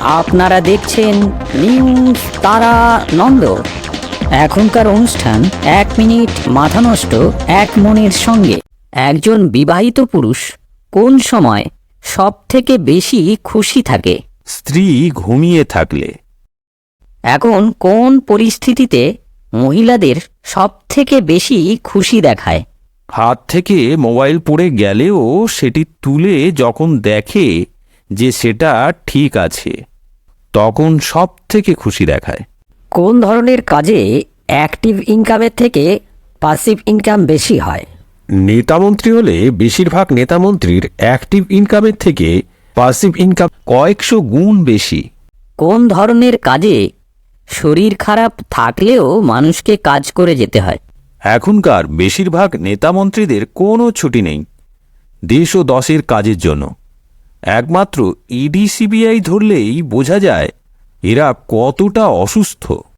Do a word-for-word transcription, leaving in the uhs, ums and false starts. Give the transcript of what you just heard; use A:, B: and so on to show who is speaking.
A: আপনারা দেখছেন নিউজ তারা নন্দ। এখনকার অনুষ্ঠান এক মিনিট মাথা নষ্ট এক মনের সঙ্গে। একজন বিবাহিত পুরুষ কোন সময় সব থেকে বেশি খুশি থাকে?
B: স্ত্রী ঘুমিয়ে থাকলে।
A: এখন কোন পরিস্থিতিতে মহিলাদের সব থেকে বেশি খুশি দেখায়?
B: হাত থেকে মোবাইল পড়ে গেলেও সেটি তুলে যখন দেখে যে সেটা ঠিক আছে, তখন সব থেকে খুশি দেখায়।
A: কোন ধরনের কাজে অ্যাক্টিভ ইনকামের থেকে প্যাসিভ ইনকাম বেশি হয়?
B: নেতামন্ত্রী হলে বেশিরভাগ নেতামন্ত্রীর অ্যাক্টিভ ইনকামের থেকে প্যাসিভ ইনকাম কয়েকশো গুণ বেশি।
A: কোন ধরনের কাজে শরীর খারাপ থাকলেও মানুষকে কাজ করে যেতে হয়?
B: এখনকার বেশিরভাগ নেতামন্ত্রীদের কোনো ছুটি নেই দেশ ও দশের কাজের জন্য। একমাত্র ইডি সিবিআই ধরলেই বোঝা যায় এরা কতটা অসুস্থ।